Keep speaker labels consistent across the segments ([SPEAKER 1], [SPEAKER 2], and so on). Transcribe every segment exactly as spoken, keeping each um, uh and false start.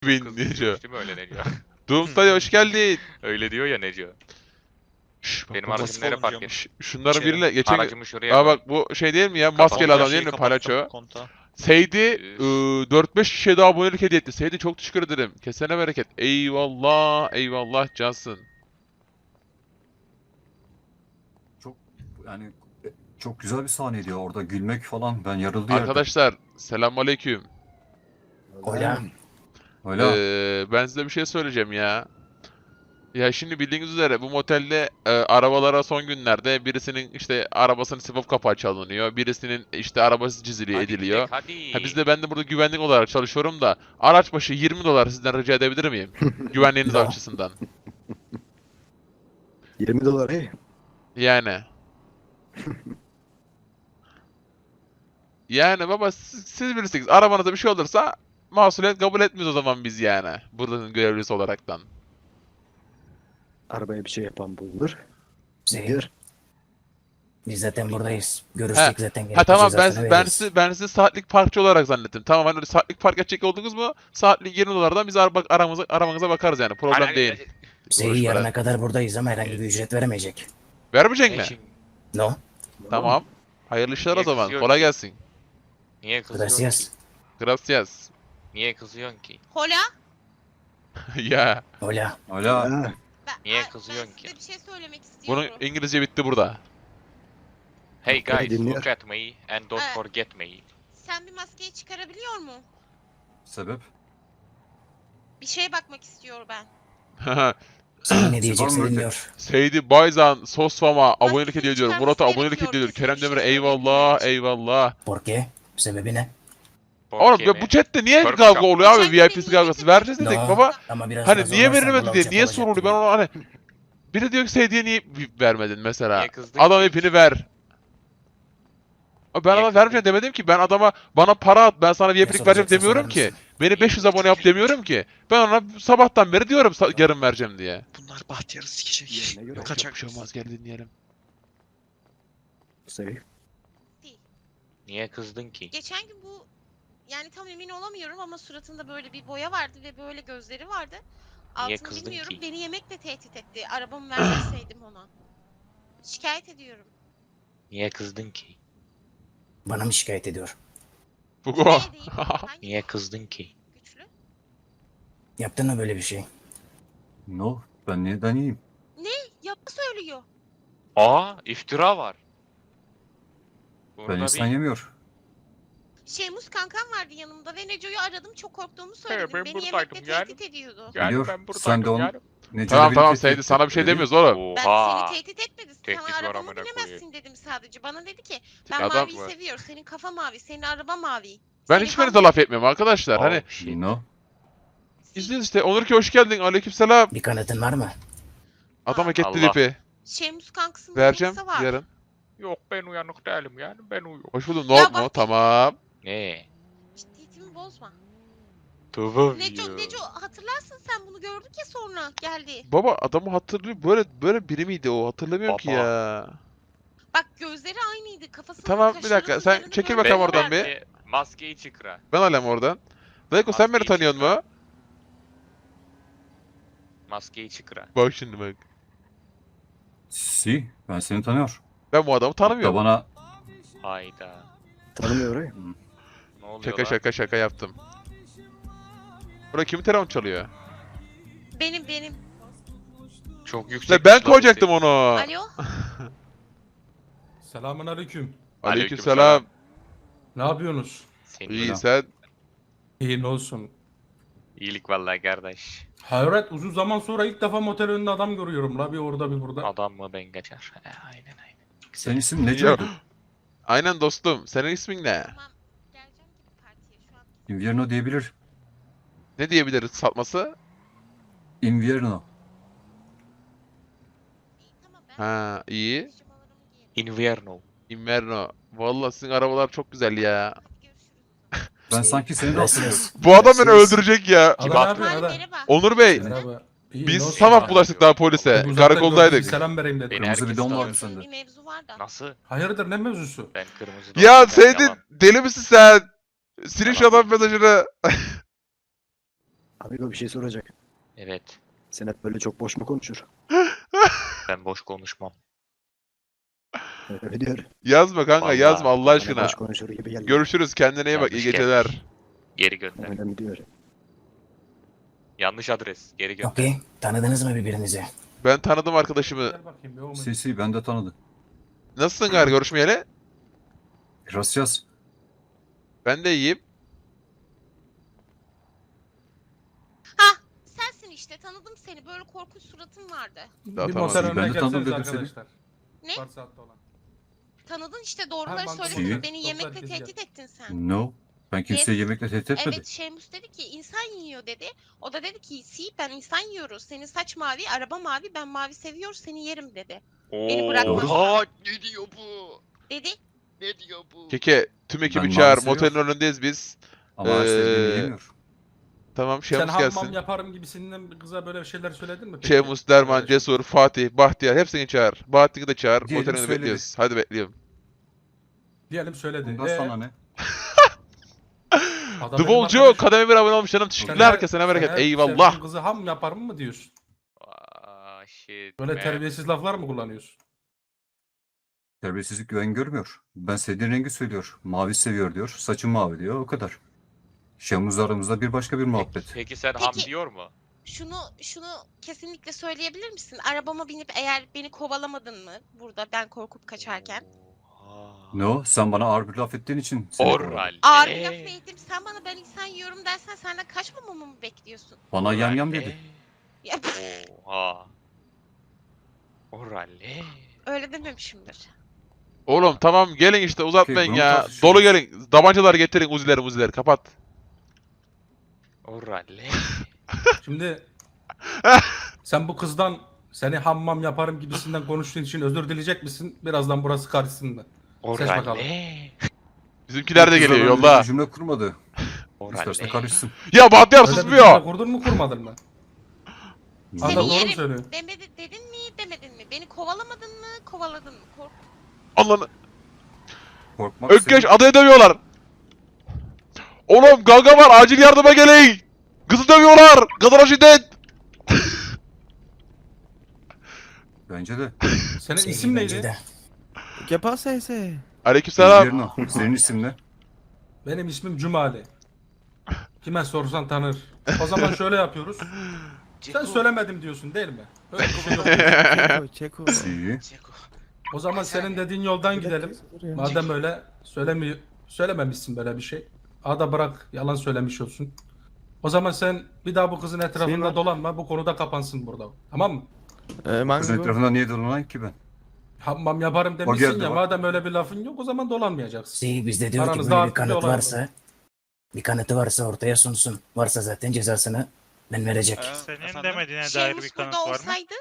[SPEAKER 1] bin
[SPEAKER 2] Kız
[SPEAKER 1] Neco.
[SPEAKER 2] diyormuş değil mi öyle Neco?
[SPEAKER 1] Doomsday hoş geldin.
[SPEAKER 2] Öyle diyor ya Neco.
[SPEAKER 1] Şş, bak,
[SPEAKER 2] Benim
[SPEAKER 1] bak,
[SPEAKER 2] aracım nereye park et?
[SPEAKER 1] şş, şunların
[SPEAKER 3] İçeri.
[SPEAKER 1] biriyle geçen gün...
[SPEAKER 2] Aracımı şuraya
[SPEAKER 1] Aa
[SPEAKER 2] koy.
[SPEAKER 1] bak bu şey değil mi ya?
[SPEAKER 2] Kapalı.
[SPEAKER 1] Maskeli adam
[SPEAKER 3] Şeyi
[SPEAKER 1] değil mi?
[SPEAKER 3] kapattım,
[SPEAKER 1] Palaço.
[SPEAKER 3] kontağı.
[SPEAKER 1] Seydi
[SPEAKER 2] Üf.
[SPEAKER 1] dört beş kişiye daha abonelik hediye etti. Seydi çok teşekkür ederim. Kesene bereket. Eyvallah. Eyvallah cansın.
[SPEAKER 4] Çok yani çok güzel bir sahneydi ya orada gülmek falan ben yarıldı yerde.
[SPEAKER 1] Arkadaşlar selamünaleyküm.
[SPEAKER 5] Hola.
[SPEAKER 4] Öyle.
[SPEAKER 1] Ee, ben size bir şey söyleyeceğim ya. Ya şimdi bildiğiniz üzere bu motelde e, arabalara son günlerde birisinin işte arabasının sipop kapağı çalınıyor. Birisinin işte arabası ciziliyor,
[SPEAKER 2] Hadi
[SPEAKER 1] ediliyor.
[SPEAKER 2] gidek, hadi.
[SPEAKER 1] Ha biz de ben de burada güvenlik olarak çalışıyorum da araç başı yirmi dolar sizden rica edebilir miyim? Güvenliğiniz
[SPEAKER 5] Ya.
[SPEAKER 1] açısından.
[SPEAKER 5] yirmi dolar hey.
[SPEAKER 1] Yani. Yani baba siz, siz bilirsiniz arabanıza bir şey olursa mahsuliyet kabul etmiyoruz o zaman biz yani. Buranın görevlisi olaraktan.
[SPEAKER 5] Arabaya bir şey yapan bulunur.
[SPEAKER 6] Zehir. Biz zaten buradayız.
[SPEAKER 1] Ha,
[SPEAKER 6] Görüştük zaten.
[SPEAKER 1] Ha
[SPEAKER 6] gerekli
[SPEAKER 1] tamam ben,
[SPEAKER 6] cezasını
[SPEAKER 1] ben,
[SPEAKER 6] veririz.
[SPEAKER 1] sizi, ben sizi saatlik parkçı olarak zannettim. Tamam hani öyle saatlik park edecek oldunuz mu saatlik yirmi dolardan biz araba, aramıza, arabanıza bakarız yani problem
[SPEAKER 2] Hani-
[SPEAKER 1] değil.
[SPEAKER 6] Zehir
[SPEAKER 1] Boş ver.
[SPEAKER 6] yarına kadar buradayız ama herhangi bir ücret veremeyecek.
[SPEAKER 1] Vermeyecek
[SPEAKER 2] Ne
[SPEAKER 1] mi?
[SPEAKER 2] şimdi?
[SPEAKER 6] No.
[SPEAKER 1] Tamam. Hayırlı işler o
[SPEAKER 2] Niye
[SPEAKER 1] zaman.
[SPEAKER 2] kızıyor
[SPEAKER 1] Kolay
[SPEAKER 2] ki?
[SPEAKER 1] gelsin.
[SPEAKER 2] Niye kızıyorsun ki?
[SPEAKER 6] Gracias.
[SPEAKER 1] Gracias.
[SPEAKER 2] Niye kızıyorsun ki?
[SPEAKER 7] Hola.
[SPEAKER 1] Ya.
[SPEAKER 6] Hola.
[SPEAKER 4] Öyle.
[SPEAKER 5] Ha,
[SPEAKER 7] Ben,
[SPEAKER 2] Niye
[SPEAKER 7] Ay,
[SPEAKER 2] kızıyorsun
[SPEAKER 7] ben
[SPEAKER 2] ki?
[SPEAKER 7] size bir şey söylemek
[SPEAKER 1] Bunun
[SPEAKER 7] istiyorum.
[SPEAKER 1] İngilizce bitti burada.
[SPEAKER 2] Hey
[SPEAKER 5] Beni
[SPEAKER 2] guys,
[SPEAKER 5] dinliyor.
[SPEAKER 2] look at me and don't
[SPEAKER 7] Ha.
[SPEAKER 2] forget me.
[SPEAKER 7] Sen bir maskeyi çıkarabiliyor mu?
[SPEAKER 4] Sebep?
[SPEAKER 7] Bir şeye bakmak istiyor ben.
[SPEAKER 6] Sana ne diyecekse
[SPEAKER 4] Süper
[SPEAKER 6] dinliyor.
[SPEAKER 1] Seydi Bayzan, Sosfama abonelik
[SPEAKER 7] Maskesini
[SPEAKER 1] hediye ediyorum.
[SPEAKER 7] çıkarması
[SPEAKER 1] Murat'a abonelik
[SPEAKER 7] gerekiyor.
[SPEAKER 1] hediye ediyorum.
[SPEAKER 7] Kesin bir
[SPEAKER 1] Kerem
[SPEAKER 7] şey
[SPEAKER 1] Demir'e
[SPEAKER 7] söyleyebilmek
[SPEAKER 1] eyvallah,
[SPEAKER 7] için.
[SPEAKER 1] eyvallah.
[SPEAKER 6] Por qué? Sebebi ne?
[SPEAKER 1] Oğlum
[SPEAKER 2] Porque
[SPEAKER 1] ya bu chatte niye
[SPEAKER 2] Korkak.
[SPEAKER 1] kavga oluyor abi?
[SPEAKER 7] Geçen
[SPEAKER 1] V I
[SPEAKER 7] gün
[SPEAKER 1] P
[SPEAKER 7] beni
[SPEAKER 1] kavgası.
[SPEAKER 7] niye
[SPEAKER 1] Vereceğiz dedik
[SPEAKER 6] No.
[SPEAKER 1] baba.
[SPEAKER 6] Ama biraz
[SPEAKER 1] Hani
[SPEAKER 6] daha
[SPEAKER 1] niye
[SPEAKER 6] zorlarsan
[SPEAKER 1] verilmedi diye,
[SPEAKER 6] bulacak
[SPEAKER 1] niye
[SPEAKER 6] olacak
[SPEAKER 1] soruluyor? Ben
[SPEAKER 6] gibi.
[SPEAKER 1] onu hani... Biri diyor ki Seydi'ye niye vermedin mesela?
[SPEAKER 2] Niye kızdın
[SPEAKER 1] Adam
[SPEAKER 2] ki?
[SPEAKER 1] ipini ver. Abi ben
[SPEAKER 2] Niye
[SPEAKER 1] adama
[SPEAKER 2] kızdın
[SPEAKER 1] vermeyeceğim
[SPEAKER 2] ki?
[SPEAKER 1] demedim ki. Ben adama bana para at ben sana V I P'lik
[SPEAKER 6] Ne
[SPEAKER 1] vereceğim
[SPEAKER 6] soracaksan
[SPEAKER 1] demiyorum
[SPEAKER 6] sorar
[SPEAKER 1] ki.
[SPEAKER 6] mısın?
[SPEAKER 1] Beni beş yüz abone yap demiyorum ki. Ben ona sabahtan beri diyorum sa- yarın vereceğim diye.
[SPEAKER 3] Bunlar Bahtiyar'ı sikecek.
[SPEAKER 5] Yerine göre.
[SPEAKER 3] Kaçak.
[SPEAKER 1] Bir şey olmaz gel dinleyelim.
[SPEAKER 5] Sevi.
[SPEAKER 7] Değil.
[SPEAKER 2] Niye kızdın ki?
[SPEAKER 7] Geçen gün bu yani tam emin olamıyorum ama suratında böyle bir boya vardı ve böyle gözleri vardı.
[SPEAKER 2] Niye
[SPEAKER 7] Altını
[SPEAKER 2] kızdın
[SPEAKER 7] bilmiyorum.
[SPEAKER 2] ki?
[SPEAKER 7] Beni yemekle tehdit etti. Arabamı vermeseydim ona. Şikayet ediyorum.
[SPEAKER 2] Niye kızdın ki?
[SPEAKER 6] Bana mı şikayet ediyor?
[SPEAKER 1] Fugo.
[SPEAKER 7] Neye değil? Hangi
[SPEAKER 2] Niye kızdın ki?
[SPEAKER 7] güçlü?
[SPEAKER 6] Yaptın mı böyle bir şey?
[SPEAKER 4] No. Ben neden iyiyim?
[SPEAKER 7] Yapı söylüyor.
[SPEAKER 2] Aa, iftira var.
[SPEAKER 4] Ben
[SPEAKER 2] Burada
[SPEAKER 4] insan
[SPEAKER 2] bir...
[SPEAKER 4] yemiyor.
[SPEAKER 7] Şeymus kankam vardı yanımda ve Neco'yu aradım çok korktuğumu söyledim.
[SPEAKER 2] ben
[SPEAKER 7] Beni
[SPEAKER 2] buradaydım
[SPEAKER 7] yemekle
[SPEAKER 2] yani.
[SPEAKER 7] tehdit ediyordu.
[SPEAKER 2] Yani
[SPEAKER 4] Biliyor.
[SPEAKER 2] ben
[SPEAKER 4] Sen
[SPEAKER 2] buradaydım
[SPEAKER 4] de onu-
[SPEAKER 2] yani.
[SPEAKER 4] Necati
[SPEAKER 1] Tamam
[SPEAKER 4] beni
[SPEAKER 1] tamam
[SPEAKER 4] tehdit
[SPEAKER 1] Seydi
[SPEAKER 4] etti.
[SPEAKER 1] sana bir şey
[SPEAKER 4] Öyle değil mi?
[SPEAKER 1] demiyoruz oğlum.
[SPEAKER 7] Ben
[SPEAKER 2] Oha.
[SPEAKER 7] seni tehdit etmedi.
[SPEAKER 2] Tehdit
[SPEAKER 7] Sana
[SPEAKER 2] var
[SPEAKER 7] arabamı
[SPEAKER 2] amına
[SPEAKER 7] binemezsin
[SPEAKER 2] koyayım.
[SPEAKER 7] dedim sadece. Bana dedi ki ben
[SPEAKER 1] Adam
[SPEAKER 7] maviyi
[SPEAKER 2] var.
[SPEAKER 7] seviyor. Senin kafa mavi, senin araba mavi.
[SPEAKER 1] Ben
[SPEAKER 7] Seni
[SPEAKER 1] hiçbirinize
[SPEAKER 7] kan-
[SPEAKER 1] laf etmiyorum arkadaşlar.
[SPEAKER 2] Oh,
[SPEAKER 1] Hani
[SPEAKER 2] shit.
[SPEAKER 4] No.
[SPEAKER 1] izleyin işte. Onur ki hoş geldin. Aleykümselam.
[SPEAKER 6] Bir kanıtın var mı?
[SPEAKER 1] Adam hak etti
[SPEAKER 2] Allah.
[SPEAKER 1] lipi.
[SPEAKER 7] Şeymus kankasının
[SPEAKER 1] Vereceğim
[SPEAKER 7] D N A'sı var.
[SPEAKER 1] yarın.
[SPEAKER 2] Yok ben uyanık değilim yani ben uyuyorum.
[SPEAKER 1] Hoş buldum.
[SPEAKER 7] Ya
[SPEAKER 1] No
[SPEAKER 7] bak-
[SPEAKER 1] mu? Tamam.
[SPEAKER 2] Ne?
[SPEAKER 7] Ciddiyetimi bozma.
[SPEAKER 2] Tamam
[SPEAKER 7] Neco, Neco hatırlarsın sen bunu gördük ya sonra geldi.
[SPEAKER 1] Baba adamı hatırlıyor. Böyle böyle biri miydi o? Hatırlamıyorum ki
[SPEAKER 2] Baba.
[SPEAKER 1] ya.
[SPEAKER 7] Bak gözleri aynıydı. Kafasının
[SPEAKER 1] Tamam, bir dakika,
[SPEAKER 7] kaşlarının
[SPEAKER 1] sen
[SPEAKER 7] üzerinde
[SPEAKER 1] çekil
[SPEAKER 7] böyle
[SPEAKER 1] bakalım
[SPEAKER 7] bir
[SPEAKER 1] oradan
[SPEAKER 7] var.
[SPEAKER 1] bir.
[SPEAKER 2] Maskeyi çıkra.
[SPEAKER 1] Ben alem oradan. Dayko sen beni
[SPEAKER 2] Maskeyi
[SPEAKER 1] tanıyorsun
[SPEAKER 2] çıkar.
[SPEAKER 1] mu?
[SPEAKER 2] Maskeyi çıkra.
[SPEAKER 1] Bak şimdi bak.
[SPEAKER 4] Si. Ben seni tanıyor.
[SPEAKER 1] Ben bu adamı
[SPEAKER 4] Hatta
[SPEAKER 1] tanımıyorum.
[SPEAKER 4] bana
[SPEAKER 2] Hayda.
[SPEAKER 5] Tanımıyor orayı.
[SPEAKER 2] Ne oluyor
[SPEAKER 1] Şaka
[SPEAKER 2] lan?
[SPEAKER 1] şaka şaka yaptım. Burada kimin telefon çalıyor?
[SPEAKER 7] Benim benim.
[SPEAKER 2] Çok yüksek.
[SPEAKER 1] İşte ben koyacaktım onu.
[SPEAKER 7] Alo.
[SPEAKER 8] Selamun aleyküm.
[SPEAKER 1] Aleykümselam.
[SPEAKER 8] Ne yapıyorsunuz?
[SPEAKER 2] Senin
[SPEAKER 1] İyi
[SPEAKER 4] Selam.
[SPEAKER 1] sen.
[SPEAKER 8] İyi ne olsun.
[SPEAKER 2] iyilik vallahi kardeş.
[SPEAKER 8] Hayret uzun zaman sonra ilk defa motel önünde adam görüyorum la bir orada bir burada.
[SPEAKER 2] Adam mı ben kaçar. He, aynen aynen.
[SPEAKER 4] senin isim Necati.
[SPEAKER 1] Aynen dostum. Senin ismin ne?
[SPEAKER 7] Tamam. Geleceğim gibi partiye şu an.
[SPEAKER 4] Invierno diyebilir.
[SPEAKER 1] Ne diyebiliriz satması?
[SPEAKER 4] Invierno.
[SPEAKER 7] İyi tamam ben.
[SPEAKER 1] Ha iyi.
[SPEAKER 7] pijamalarımı giyerim.
[SPEAKER 2] Invierno.
[SPEAKER 1] Inverno. Vallahi sizin arabalar çok güzel ya.
[SPEAKER 7] Hadi görüşürüz o zaman.
[SPEAKER 4] Ben sanki seni de hatırlıyorum.
[SPEAKER 6] Gracias.
[SPEAKER 1] Bu adam beni
[SPEAKER 4] Siz-
[SPEAKER 1] öldürecek ya.
[SPEAKER 8] Ada ne
[SPEAKER 2] baktı?
[SPEAKER 8] yapıyorsun
[SPEAKER 7] Hadi
[SPEAKER 8] Ada?
[SPEAKER 7] merhaba.
[SPEAKER 1] Onur Bey.
[SPEAKER 8] Merhaba. İyi,
[SPEAKER 1] Biz
[SPEAKER 8] ne olsun
[SPEAKER 1] sabah
[SPEAKER 8] ya?
[SPEAKER 1] bulaştık daha polise.
[SPEAKER 8] Uzaktan gördüm,
[SPEAKER 1] Karakoldaydık.
[SPEAKER 8] Selam vereyim dedim.
[SPEAKER 2] Beni
[SPEAKER 4] Kırmızı
[SPEAKER 2] herkes
[SPEAKER 4] bidon
[SPEAKER 2] tanıyor.
[SPEAKER 4] vardı sende.
[SPEAKER 7] Bir mevzu var da.
[SPEAKER 2] Nasıl?
[SPEAKER 8] Hayırdır ne mevzusu?
[SPEAKER 2] Ben kırmızı
[SPEAKER 1] Ya
[SPEAKER 2] donum, ben
[SPEAKER 1] Seydi
[SPEAKER 2] yalan.
[SPEAKER 1] deli misin sen? Silin şu
[SPEAKER 2] Yalan
[SPEAKER 1] adam mesajını.
[SPEAKER 5] Amigo bir şey soracak.
[SPEAKER 2] Evet.
[SPEAKER 5] Sen hep böyle çok boş mu konuşur?
[SPEAKER 2] Ben boş konuşmam.
[SPEAKER 5] Öyle diyor.
[SPEAKER 1] Yazma kanka
[SPEAKER 2] Vallahi
[SPEAKER 1] yazma Allah
[SPEAKER 5] Bana
[SPEAKER 1] aşkına.
[SPEAKER 5] boş konuşur gibi geldi.
[SPEAKER 1] Görüşürüz kendine iyi bak iyi
[SPEAKER 2] Yanlış
[SPEAKER 1] geceler.
[SPEAKER 2] gelmiş. Geri gönder.
[SPEAKER 5] Öyle mi diyor?
[SPEAKER 2] Yanlış adres. Geri gönder.
[SPEAKER 6] Okey. Tanıdınız mı birbirinizi?
[SPEAKER 1] Ben tanıdım arkadaşımı.
[SPEAKER 8] Gel bakayım bir o mu?
[SPEAKER 4] Sesi ben de tanıdım.
[SPEAKER 1] Nasılsın gar görüşmeyeli?
[SPEAKER 4] Gracias.
[SPEAKER 1] Ben de iyiyim.
[SPEAKER 7] Sensin işte, tanıdım seni. Böyle korkunç suratın vardı.
[SPEAKER 1] Daha
[SPEAKER 8] Bir
[SPEAKER 1] tamam.
[SPEAKER 8] motel
[SPEAKER 4] Ben de
[SPEAKER 8] önüne
[SPEAKER 4] tanıdım
[SPEAKER 8] gelseniz
[SPEAKER 4] dedim seni.
[SPEAKER 8] arkadaşlar.
[SPEAKER 7] Ne?
[SPEAKER 8] Var saatte olan.
[SPEAKER 7] Tanıdın işte, doğruları
[SPEAKER 8] Ha, banka
[SPEAKER 7] söylesene.
[SPEAKER 4] soydu.
[SPEAKER 7] Beni
[SPEAKER 8] Çok
[SPEAKER 7] yemekle
[SPEAKER 8] herkes
[SPEAKER 7] tehdit ettin sen.
[SPEAKER 4] No. Ben kimseyi yemekle tehdit etmedim.
[SPEAKER 7] Evet, Şemus dedi ki insan yiyor dedi. O da dedi ki si ben insan yiyoruz. Senin saç mavi, araba mavi, ben mavi seviyor, seni yerim dedi. Beni bırakma.
[SPEAKER 2] Oha, ne diyor bu?
[SPEAKER 7] Dedi.
[SPEAKER 2] Ne diyor bu?
[SPEAKER 1] Keke tüm ekibi
[SPEAKER 4] Ben
[SPEAKER 1] çağır.
[SPEAKER 4] maalesef
[SPEAKER 1] Motelin
[SPEAKER 4] yok.
[SPEAKER 1] önündeyiz biz.
[SPEAKER 4] Ama her sevdiğini
[SPEAKER 1] Ee,
[SPEAKER 4] yemiyor.
[SPEAKER 1] Tamam
[SPEAKER 8] Sen
[SPEAKER 1] Şemus
[SPEAKER 8] hammam
[SPEAKER 1] gelsin.
[SPEAKER 8] yaparım gibisinden bir kıza böyle şeyler söyledin mi? peki?
[SPEAKER 1] Şemus, Derman,
[SPEAKER 8] Arkadaşım.
[SPEAKER 1] Cesur, Fatih, Bahtiyar hepsini çağır. Bahattin'i de çağır.
[SPEAKER 4] Diyelim
[SPEAKER 1] Motelin önünde
[SPEAKER 4] söyledi.
[SPEAKER 1] bekliyoruz. Hadi bekliyorum.
[SPEAKER 8] Diyelim söyledi.
[SPEAKER 4] Bundan
[SPEAKER 8] Ee,
[SPEAKER 4] sana ne?
[SPEAKER 8] adam
[SPEAKER 1] The
[SPEAKER 8] benim
[SPEAKER 1] Bolcu
[SPEAKER 8] arkadaşım.
[SPEAKER 1] kademe bir abone olmuş canım.
[SPEAKER 8] Sen
[SPEAKER 1] Teşekkürler
[SPEAKER 8] her-
[SPEAKER 1] herkese
[SPEAKER 8] sen
[SPEAKER 1] bereket.
[SPEAKER 8] her
[SPEAKER 1] Eyvallah.
[SPEAKER 8] sevdiğin kızı ham yaparım mı diyorsun?
[SPEAKER 2] Aa, shit.
[SPEAKER 8] Böyle
[SPEAKER 2] man.
[SPEAKER 8] terbiyesiz laflar mı kullanıyorsun?
[SPEAKER 4] Terbiyesizlik güven görmüyor. Ben sevdiğin rengi söylüyor. Mavi seviyor diyor. Saçım mavi diyor. O kadar. Şemuz aramızda bir başka bir muhabbet.
[SPEAKER 2] Peki sen ham
[SPEAKER 7] Peki.
[SPEAKER 2] diyor mu?
[SPEAKER 7] Şunu şunu kesinlikle söyleyebilir misin? Arabama binip eğer beni kovalamadın mı burada ben korkup kaçarken?
[SPEAKER 2] Oha.
[SPEAKER 4] No, sen bana ağır bir laf ettiğin için. seni kovaladım.
[SPEAKER 2] Oral.
[SPEAKER 7] Ağır bir laf ettim. Sen bana ben insan yiyorum dersen senden kaçmamamı mı bekliyorsun?
[SPEAKER 4] Bana yam yam dedi.
[SPEAKER 7] Ya
[SPEAKER 2] Oha. Oralle.
[SPEAKER 7] öyle dememişimdir.
[SPEAKER 1] Oğlum tamam gelin işte uzatmayın
[SPEAKER 4] bunu
[SPEAKER 1] ya.
[SPEAKER 4] tartışıyoruz.
[SPEAKER 1] Dolu gelin. Tabancalar getirin uzileri uzileri kapat.
[SPEAKER 2] Oralle.
[SPEAKER 8] Şimdi sen bu kızdan seni hammam yaparım gibisinden konuştuğun için özür dileyecek misin? Birazdan burası karşısında. Seç bakalım.
[SPEAKER 2] Oralle.
[SPEAKER 1] Bizimkiler de
[SPEAKER 4] Kızla
[SPEAKER 1] geliyor
[SPEAKER 4] böyle
[SPEAKER 1] yolda.
[SPEAKER 4] bir cümle kurmadı. İsterse
[SPEAKER 2] Oralle.
[SPEAKER 4] karışsın.
[SPEAKER 1] Ya Bahtiyar
[SPEAKER 8] Öyle bir
[SPEAKER 1] susmuyor.
[SPEAKER 8] cümle kurdun mu kurmadın mı?
[SPEAKER 7] Seni
[SPEAKER 8] Adam doğru mu
[SPEAKER 7] yerim
[SPEAKER 8] söylüyor?
[SPEAKER 7] demedi, dedin mi demedin mi? Beni kovalamadın mı kovaladın mı? Kork
[SPEAKER 1] Allah'ını.
[SPEAKER 4] Korkmak
[SPEAKER 1] Ökkeş
[SPEAKER 4] senin-
[SPEAKER 1] adayı dövüyorlar. Oğlum kavga var acil yardıma gelin. Kızı dövüyorlar. Kadına şiddet.
[SPEAKER 4] Bence de.
[SPEAKER 8] Senin
[SPEAKER 6] Sevgili
[SPEAKER 8] isim
[SPEAKER 6] bence
[SPEAKER 8] neydi?
[SPEAKER 6] de.
[SPEAKER 9] ¿Qué pasa ese?
[SPEAKER 1] Aleykümselam.
[SPEAKER 4] Diğerini al. Senin isim ne?
[SPEAKER 8] Benim ismim Cumali. Kime sorsan tanır. O zaman şöyle yapıyoruz. Sen söylemedim diyorsun değil mi? Öyle bir şey yok.
[SPEAKER 9] Checo, Checo.
[SPEAKER 4] İyi.
[SPEAKER 8] O zaman senin dediğin yoldan gidelim. Madem öyle söylemi söylememişsin böyle bir şey. Ada bırak yalan söylemiş olsun. O zaman sen bir daha bu kızın etrafında
[SPEAKER 9] Senin-
[SPEAKER 8] dolanma. Bu konuda kapansın burada. Tamam mı?
[SPEAKER 9] Eh,
[SPEAKER 4] Kızın
[SPEAKER 9] mango.
[SPEAKER 4] etrafında niye dolanayım ki ben?
[SPEAKER 8] Hammam yaparım demişsin
[SPEAKER 4] geldi
[SPEAKER 8] ya.
[SPEAKER 4] bak.
[SPEAKER 8] Madem öyle bir lafın yok o zaman dolanmayacaksın.
[SPEAKER 6] Si bizde diyor ki
[SPEAKER 8] Aranızda
[SPEAKER 6] böyle bir
[SPEAKER 8] artık bir
[SPEAKER 6] kanıt
[SPEAKER 8] olay var.
[SPEAKER 6] varsa, bir kanıtı varsa ortaya sunsun. Varsa zaten cezasını ben verecek.
[SPEAKER 10] Senin demediğine dair
[SPEAKER 7] Şemus
[SPEAKER 10] bir kanıt
[SPEAKER 7] burada
[SPEAKER 10] var mı?
[SPEAKER 7] olsaydı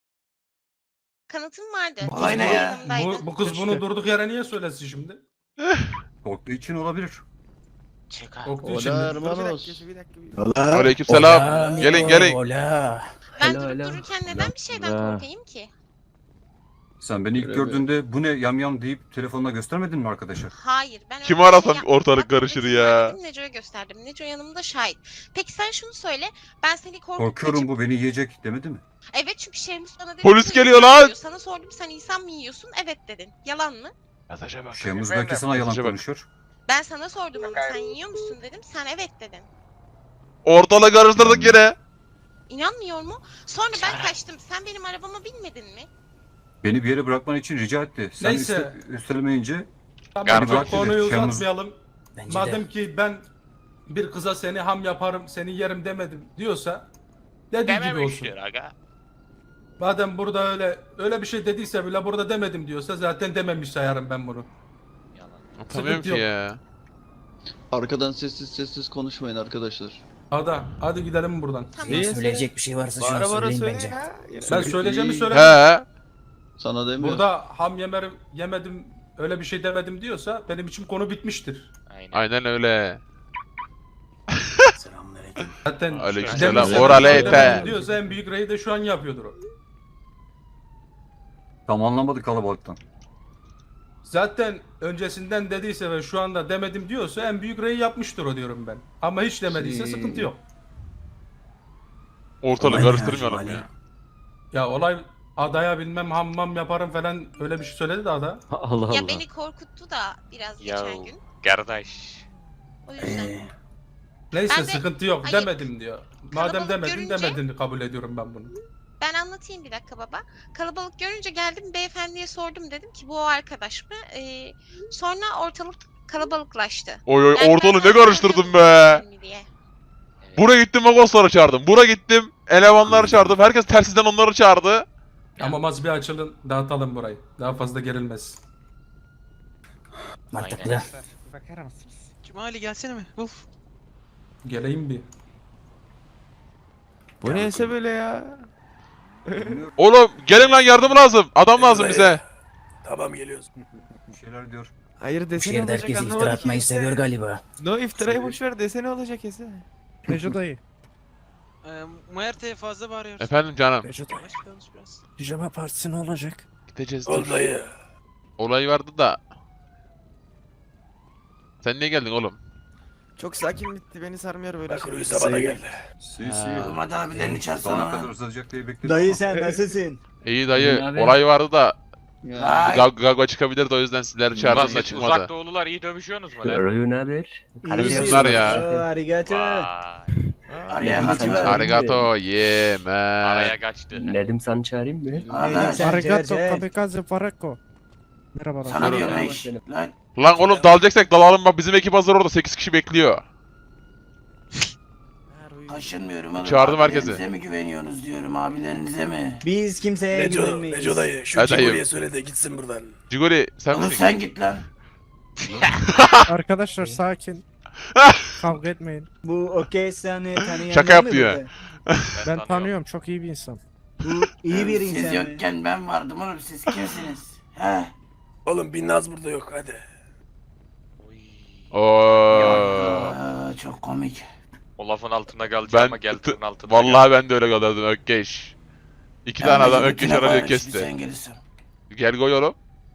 [SPEAKER 7] kanıtım vardı.
[SPEAKER 9] Vay
[SPEAKER 7] Kız
[SPEAKER 9] ne
[SPEAKER 7] burada
[SPEAKER 9] ya?
[SPEAKER 7] yanımdaydı.
[SPEAKER 8] Bu, bu kız bunu durduk yere niye söylesin şimdi?
[SPEAKER 4] Korktuğu için olabilir.
[SPEAKER 8] Korktuğu için.
[SPEAKER 9] Hola,
[SPEAKER 8] mi?
[SPEAKER 9] hermanos. Bir dakika, bir dakika.
[SPEAKER 5] Hola.
[SPEAKER 1] Aleykümselam.
[SPEAKER 6] Hola,
[SPEAKER 1] Gelin
[SPEAKER 6] amigo,
[SPEAKER 1] gelin.
[SPEAKER 6] Hola.
[SPEAKER 7] Ben
[SPEAKER 5] Alo,
[SPEAKER 7] durup
[SPEAKER 5] alo.
[SPEAKER 7] dururken neden bir şeyden
[SPEAKER 5] Alo.
[SPEAKER 7] korkayım ki?
[SPEAKER 4] Sen beni ilk
[SPEAKER 5] Öyle
[SPEAKER 4] gördüğünde bu ne yam yam deyip telefonla göstermedin mi arkadaşa?
[SPEAKER 7] Hayır. Ben
[SPEAKER 1] Kimi
[SPEAKER 7] öyle bir
[SPEAKER 1] arasam
[SPEAKER 7] yapmadım.
[SPEAKER 1] ortalık
[SPEAKER 7] Hatta
[SPEAKER 1] karışır
[SPEAKER 7] resim
[SPEAKER 1] ya.
[SPEAKER 7] verdim, Neco'ya gösterdim. Neco yanımda şahit. Peki sen şunu söyle. Ben seni korkup
[SPEAKER 4] Korkuyorum
[SPEAKER 7] kaçıp-
[SPEAKER 4] bu beni yiyecek demedi mi?
[SPEAKER 7] Evet çünkü Şemus bana dedi.
[SPEAKER 1] Polis
[SPEAKER 7] ki,
[SPEAKER 1] geliyor
[SPEAKER 7] "İnsan
[SPEAKER 1] lan!"
[SPEAKER 7] yiyor." Sana sordum sen insan mı yiyorsun? Evet dedin. Yalan mı?
[SPEAKER 1] Mesaja bak.
[SPEAKER 4] Şemuz belki sana yalan
[SPEAKER 1] Mesaja bak.
[SPEAKER 4] konuşuyor.
[SPEAKER 7] Ben sana sordum ama sen yiyor musun dedim. Sen evet dedin.
[SPEAKER 1] Ortalığı karıştırdık yine.
[SPEAKER 7] İnanmıyor mu? Sonra ben kaçtım. Sen benim arabama binmedin mi?
[SPEAKER 4] Beni bir yere bırakman için rica etti. Sen
[SPEAKER 8] Neyse.
[SPEAKER 4] üste- üstelemeyince
[SPEAKER 8] Tamam,
[SPEAKER 2] Galiba
[SPEAKER 8] çok konuyu
[SPEAKER 4] dedi, Şemus-
[SPEAKER 8] uzatmayalım.
[SPEAKER 6] Bence
[SPEAKER 8] Madem
[SPEAKER 6] de.
[SPEAKER 8] ki ben bir kıza seni ham yaparım, seni yerim demedim diyorsa dediği gibi olsun.
[SPEAKER 2] Dememiştir aga.
[SPEAKER 8] Madem burada öyle öyle bir şey dediyse bile burada demedim diyorsa zaten dememiş sayarım ben bunu.
[SPEAKER 2] Yalan.
[SPEAKER 1] Tanıyorum ki
[SPEAKER 8] yok.
[SPEAKER 1] ya.
[SPEAKER 9] Arkadan sessiz sessiz konuşmayın arkadaşlar.
[SPEAKER 8] Ada hadi gidelim buradan.
[SPEAKER 7] Tamam.
[SPEAKER 9] Niye?
[SPEAKER 6] Söyleyecek bir şey varsa şu an
[SPEAKER 9] Bara bara
[SPEAKER 6] söyleyin
[SPEAKER 9] söyle
[SPEAKER 6] bence.
[SPEAKER 9] ya.
[SPEAKER 8] Ben söyleyeceğimi
[SPEAKER 9] İyi.
[SPEAKER 8] söyledim.
[SPEAKER 1] He.
[SPEAKER 9] Sana demiyorum.
[SPEAKER 8] Burada ham yemerim, yemedim, öyle bir şey demedim diyorsa benim için konu bitmiştir.
[SPEAKER 2] Aynen.
[SPEAKER 1] Aynen öyle.
[SPEAKER 6] Selamünaleyküm.
[SPEAKER 8] Zaten
[SPEAKER 1] Aleykümselam.
[SPEAKER 8] demişse
[SPEAKER 1] Oral
[SPEAKER 8] ben
[SPEAKER 1] ete.
[SPEAKER 8] demedim diyorsa en büyük reyi de şu an yapıyordur o.
[SPEAKER 4] tam anlamadık kalabalıktan.
[SPEAKER 8] Zaten öncesinden dediyse ve şu anda demedim diyorsa en büyük reyi yapmıştır o diyorum ben. Ama hiç demediyse
[SPEAKER 9] Şey-
[SPEAKER 8] sıkıntı yok.
[SPEAKER 1] Ortalığı
[SPEAKER 6] Olay ne ya,
[SPEAKER 1] karıştırmayalım
[SPEAKER 6] Cumali?
[SPEAKER 1] ya.
[SPEAKER 8] Ya olay adaya bilmem hammam yaparım falan öyle bir şey söyledi de ada.
[SPEAKER 10] Allah
[SPEAKER 7] Ya
[SPEAKER 10] Allah.
[SPEAKER 7] beni korkuttu da biraz
[SPEAKER 2] Ya
[SPEAKER 7] geçen gün.
[SPEAKER 2] kardeş.
[SPEAKER 7] O yüzden.
[SPEAKER 6] Ee,
[SPEAKER 8] Neyse
[SPEAKER 7] Ben de-
[SPEAKER 8] sıkıntı yok
[SPEAKER 7] Hayır.
[SPEAKER 8] demedim diyor. Madem
[SPEAKER 7] Kalabalık
[SPEAKER 8] demedin
[SPEAKER 7] görünce-
[SPEAKER 8] demedin kabul ediyorum ben bunu.
[SPEAKER 7] Ben anlatayım bir dakika baba. Kalabalık görünce geldim beyefendiye sordum, dedim ki bu o arkadaş mı? Ee, sonra ortalık kalabalıklaştı.
[SPEAKER 1] Oy oy
[SPEAKER 7] Yani
[SPEAKER 1] ortalığı
[SPEAKER 7] ben
[SPEAKER 1] ne karıştırdın
[SPEAKER 7] tanıyorum
[SPEAKER 1] be.
[SPEAKER 7] mi diye.
[SPEAKER 1] Buraya gittim Magosları çağırdım. Buraya gittim elemanları çağırdım. Herkes telsizden onları çağırdı.
[SPEAKER 8] Ama maz bir açılın dağıtalım burayı. Daha fazla gerilmez.
[SPEAKER 6] mantıklı.
[SPEAKER 3] Bakar mısınız? Cumali gelsene mi? Wolf.
[SPEAKER 8] Geleyim bir.
[SPEAKER 10] Bu neyse böyle ya.
[SPEAKER 1] Oğlum gelin lan yardım lazım. Adam lazım bize.
[SPEAKER 8] Tamam geliyoruz.
[SPEAKER 4] Bir şeyler diyor.
[SPEAKER 10] Hayır
[SPEAKER 6] Bu
[SPEAKER 10] desene
[SPEAKER 6] şehirde
[SPEAKER 10] olacak
[SPEAKER 6] herkes iftira
[SPEAKER 10] anlamadım
[SPEAKER 6] atmayı
[SPEAKER 10] ki.
[SPEAKER 6] seviyor galiba.
[SPEAKER 10] No iftirayı boş ver desene olacak ese.
[SPEAKER 3] Neco dayı. Ee, Muerte'ye fazla bağırıyorsun.
[SPEAKER 1] Efendim canım.
[SPEAKER 3] Neco dayı. Yavaş konuş biraz.
[SPEAKER 5] Pijama partisi ne olacak?
[SPEAKER 1] Gideceğiz. Olayı. Olay vardı da. Sen niye geldin oğlum?
[SPEAKER 10] Çok sakin bitti beni sarmıyor böyle. şey.
[SPEAKER 4] Si si.
[SPEAKER 1] Ha.
[SPEAKER 4] Olmadı abilerini çağırsana. kadar uzayacak diye bekledim.
[SPEAKER 5] Dayı
[SPEAKER 4] ama-
[SPEAKER 5] sen nasılsın?
[SPEAKER 1] İyi dayı.
[SPEAKER 6] abi.
[SPEAKER 1] Olay vardı da.
[SPEAKER 9] Ya,
[SPEAKER 1] Gag Gagva çıkabilirdi o yüzden sizleri çağırdım da
[SPEAKER 2] Uzak
[SPEAKER 1] çıkmadı.
[SPEAKER 2] doğulular iyi dövüşüyorsunuz mu lan?
[SPEAKER 10] Rayun haber?
[SPEAKER 1] Bunlar ya.
[SPEAKER 5] Arigato.
[SPEAKER 2] Vay.
[SPEAKER 1] Arigato yeah man.
[SPEAKER 2] Araya kaçtı.
[SPEAKER 10] Nedim sen çağırayım mı?
[SPEAKER 5] Arigato
[SPEAKER 3] kamikaze Farako. Merhaba.
[SPEAKER 1] Sana diyorum eş. Lan oğlum dalacaksak dalalım bak bizim ekip hazır orada sekiz kişi bekliyor.
[SPEAKER 11] Taşınmıyorum oğlum.
[SPEAKER 1] Çağırdım herkesi.
[SPEAKER 11] Abilerinize mi güveniyorsunuz diyorum, abilerinize mi?
[SPEAKER 5] Biz kimseye güvenmeyiz. Neco dayı
[SPEAKER 1] şu Cigoli'ye
[SPEAKER 5] söyle de gitsin buradan.
[SPEAKER 1] Cigoli sen
[SPEAKER 11] Oğlum
[SPEAKER 1] misin?
[SPEAKER 11] sen git lan.
[SPEAKER 3] Arkadaşlar sakin. Kavga etmeyin.
[SPEAKER 5] Bu okey seni tanıyan
[SPEAKER 1] Şaka
[SPEAKER 5] var mı
[SPEAKER 1] yapıyor.
[SPEAKER 5] burada?
[SPEAKER 3] Ben tanıyorum, çok iyi bir insan.
[SPEAKER 5] Bu iyi bir
[SPEAKER 11] Siz
[SPEAKER 5] insan mı?
[SPEAKER 11] yokken ben vardım oğlum, siz kimsiniz? He?
[SPEAKER 5] Oğlum bir Naz burada yok hadi.
[SPEAKER 1] Oo.
[SPEAKER 11] Aa, çok komik.
[SPEAKER 2] O lafın altına kalacağım ama
[SPEAKER 1] Ben
[SPEAKER 2] geldiğin altına
[SPEAKER 1] vallahi ben de öyle kalırdım Ökkeş. İki tane adam
[SPEAKER 11] Mecnun
[SPEAKER 1] Ökkeş
[SPEAKER 11] Tuna
[SPEAKER 1] aracı
[SPEAKER 11] bari, şimdi Sen
[SPEAKER 1] kesti.
[SPEAKER 11] gelirsin.
[SPEAKER 1] Gel koy oğlum.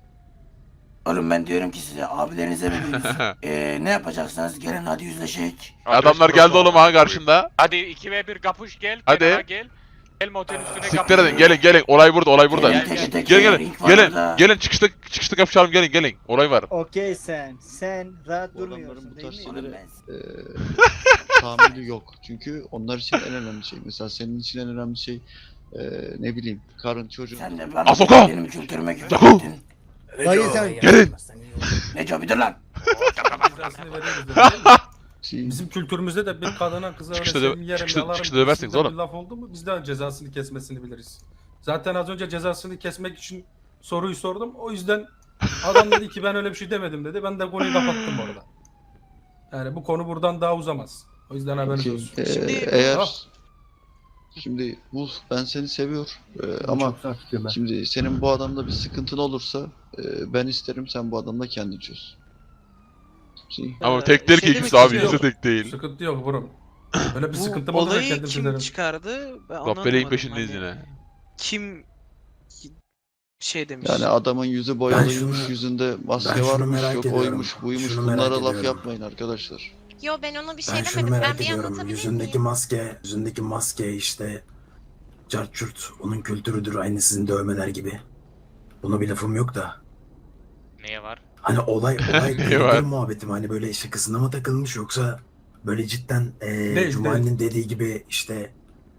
[SPEAKER 11] Oğlum ben diyorum ki size, abilerinize mi güveniyorsunuz? Eee ne yapacaksınız? Gelin hadi yüzleşek.
[SPEAKER 1] Adamlar geldi oğlum ha karşında.
[SPEAKER 2] Hadi iki ve bir kapış gel.
[SPEAKER 1] Hadi.
[SPEAKER 2] kenara gel. Gel motelin üstüne
[SPEAKER 1] Siktir edin gelin gelin olay burada olay burada.
[SPEAKER 2] Gel,
[SPEAKER 11] Gelin
[SPEAKER 2] gel,
[SPEAKER 11] teke
[SPEAKER 1] Gelin
[SPEAKER 11] teke,
[SPEAKER 1] gelin
[SPEAKER 11] ring var
[SPEAKER 1] gelin
[SPEAKER 11] burada.
[SPEAKER 1] gelin çıkışta çıkışta kapışalım gelin gelin olay var.
[SPEAKER 5] Okey sen. Sen rahat
[SPEAKER 9] Bu adamların
[SPEAKER 5] durmuyorsun
[SPEAKER 9] bu
[SPEAKER 5] değil
[SPEAKER 9] tarz
[SPEAKER 5] mi?
[SPEAKER 11] Oğlum
[SPEAKER 9] şeylere
[SPEAKER 11] ben-
[SPEAKER 9] eee tahammülü yok. Çünkü onlar için en önemli şey. Mesela senin için en önemli şey eee ne bileyim karın çocuğun.
[SPEAKER 11] Sen de bana
[SPEAKER 1] Asoka!
[SPEAKER 11] benim kültürüme küfür
[SPEAKER 1] Yahu!
[SPEAKER 11] ettin.
[SPEAKER 5] Dayı sen.
[SPEAKER 1] Gelin!
[SPEAKER 11] Neco bir dur lan.
[SPEAKER 8] Cezasını veriyoruz değil mi?
[SPEAKER 9] Şey,
[SPEAKER 8] Bizim kültürümüzde de bir kadına kıza öyle
[SPEAKER 1] Çıkışta dö-
[SPEAKER 8] senin yerim
[SPEAKER 1] çıkışta-
[SPEAKER 8] yalarım
[SPEAKER 1] çıkışta döversiniz
[SPEAKER 8] gibisinden
[SPEAKER 1] oğlum.
[SPEAKER 8] bir laf oldu mu biz de cezasını kesmesini biliriz. Zaten az önce cezasını kesmek için soruyu sordum. O yüzden adam dedi ki ben öyle bir şey demedim dedi. Ben de konuyu kapattım orada. Yani bu konu buradan daha uzamaz. O yüzden haberiniz
[SPEAKER 9] şey,
[SPEAKER 8] olsun.
[SPEAKER 9] eee,
[SPEAKER 3] Şimdi-
[SPEAKER 9] eğer
[SPEAKER 8] Ah.
[SPEAKER 9] şimdi Wolf ben seni seviyor eee, ama şimdi senin bu adamda bir sıkıntın olursa eee, ben isterim sen bu adamla kendin çöz. Şey,
[SPEAKER 1] Ama tek değil ki
[SPEAKER 3] şey
[SPEAKER 1] ikisi
[SPEAKER 3] demek
[SPEAKER 1] abi
[SPEAKER 3] istiyorum.
[SPEAKER 1] ikisi tek değil.
[SPEAKER 8] Sıkıntı yok buram. Böyle bir
[SPEAKER 3] Bu
[SPEAKER 8] sıkıntım oldu ben
[SPEAKER 3] olayı
[SPEAKER 8] kendim
[SPEAKER 3] kim
[SPEAKER 8] çözerim.
[SPEAKER 3] çıkardı? Ben onu
[SPEAKER 1] Doppel'in
[SPEAKER 3] anlamadım.
[SPEAKER 1] peşindeyiz
[SPEAKER 3] Hani
[SPEAKER 1] yine.
[SPEAKER 3] Kim şey demiş.
[SPEAKER 9] yani adamın yüzü boyalıymış,
[SPEAKER 6] şunu-
[SPEAKER 9] yüzünde
[SPEAKER 6] ben
[SPEAKER 9] maske
[SPEAKER 6] şunu
[SPEAKER 9] varmış,
[SPEAKER 6] merak
[SPEAKER 9] yok
[SPEAKER 6] ediyorum.
[SPEAKER 9] oymuş, buymuş.
[SPEAKER 6] Şunu merak
[SPEAKER 9] Bunlara laf
[SPEAKER 6] ediyorum.
[SPEAKER 9] yapmayın arkadaşlar.
[SPEAKER 7] Yo ben ona bir şey
[SPEAKER 6] Ben şunu
[SPEAKER 7] demedim. Ben
[SPEAKER 6] merak
[SPEAKER 7] bir
[SPEAKER 6] ediyorum.
[SPEAKER 7] anlatabilir
[SPEAKER 6] Yüzündeki
[SPEAKER 7] miyim?
[SPEAKER 6] maske, yüzündeki maske işte carçurt onun kültürüdür aynı sizin dövmeler gibi. Buna bir lafım yok da.
[SPEAKER 2] Neye var?
[SPEAKER 6] Hani olay olay
[SPEAKER 1] Ne var?
[SPEAKER 6] kültür muhabbeti mi? Hani böyle şakasına mı takılmış yoksa böyle cidden eee
[SPEAKER 8] Değil,
[SPEAKER 6] Cumali'nin dediği gibi işte